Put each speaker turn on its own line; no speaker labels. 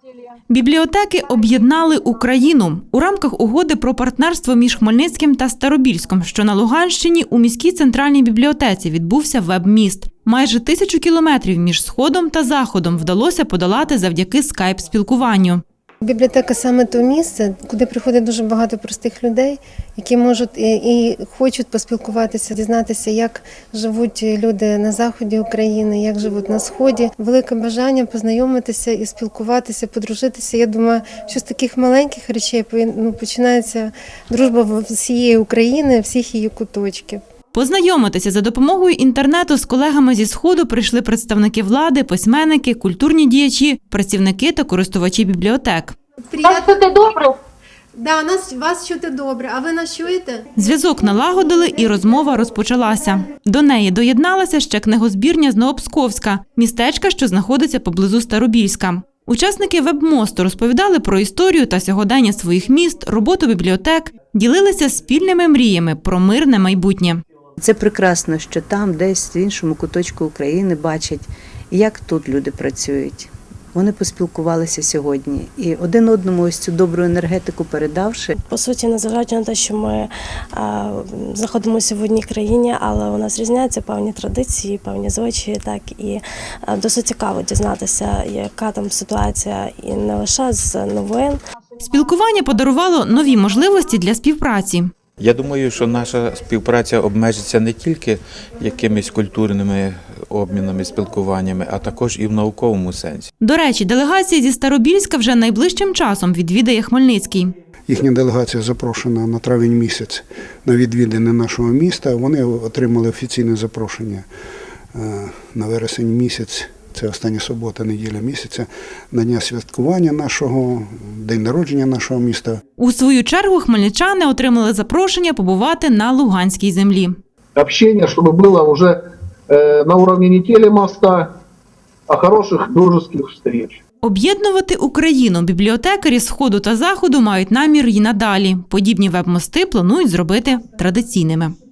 Бібліотеки об'єднали Україну. У рамках угоди про партнерство між Хмельницьким та Старобільськом, що на Луганщині, у міській центральній бібліотеці відбувся веб-міст. Майже 1000 кілометрів між Сходом та Заходом вдалося подолати завдяки скайп-спілкуванню.
Бібліотека – саме те місце, куди приходить дуже багато простих людей, які можуть і хочуть поспілкуватися, дізнатися, як живуть люди на заході України, як живуть на сході. Велике бажання познайомитися і спілкуватися, подружитися. Я думаю, що з таких маленьких речей починається дружба всієї України, всіх її куточків.
Познайомитися за допомогою інтернету з колегами зі Сходу прийшли представники влади, письменники, культурні діячі, працівники та користувачі бібліотек.
Нас чути добре?
Да, вас чути добре. А ви нас чуєте?
Зв'язок налагодили і розмова розпочалася. До неї доєдналася ще книгозбірня з Новопсковська, містечка, що знаходиться поблизу Старобільська. Учасники веб-мосту розповідали про історію та сьогодення своїх міст, роботу бібліотек, ділилися спільними мріями про мирне майбутнє.
Це прекрасно, що там, десь в іншому куточку України бачать, як тут люди працюють. Вони поспілкувалися сьогодні і один одному ось цю добру енергетику передавши.
По суті, незважаючи на те, що ми знаходимося в одній країні, але у нас різняться певні традиції, певні звичаї, так і досить цікаво дізнатися, яка там ситуація, і не лише з новин.
Спілкування подарувало нові можливості для співпраці.
Я думаю, що наша співпраця обмежиться не тільки якимись культурними обмінами, спілкуваннями, а також і в науковому сенсі.
До речі, делегація зі Старобільська вже найближчим часом відвідає Хмельницький.
Їхня делегація запрошена на травень місяць на відвідини нашого міста. Вони отримали офіційне запрошення на вересень місяць. Це остання субота, неділя місяця, на дня святкування нашого, день народження нашого міста.
У свою чергу хмельничани отримали запрошення побувати на Луганській землі.
Общение, чтобы было уже на уровне не телемоста, а хороших дружеских встреч.
Об'єднувати Україну бібліотекарі Сходу та Заходу мають намір і надалі. Подібні веб-мости планують зробити традиційними.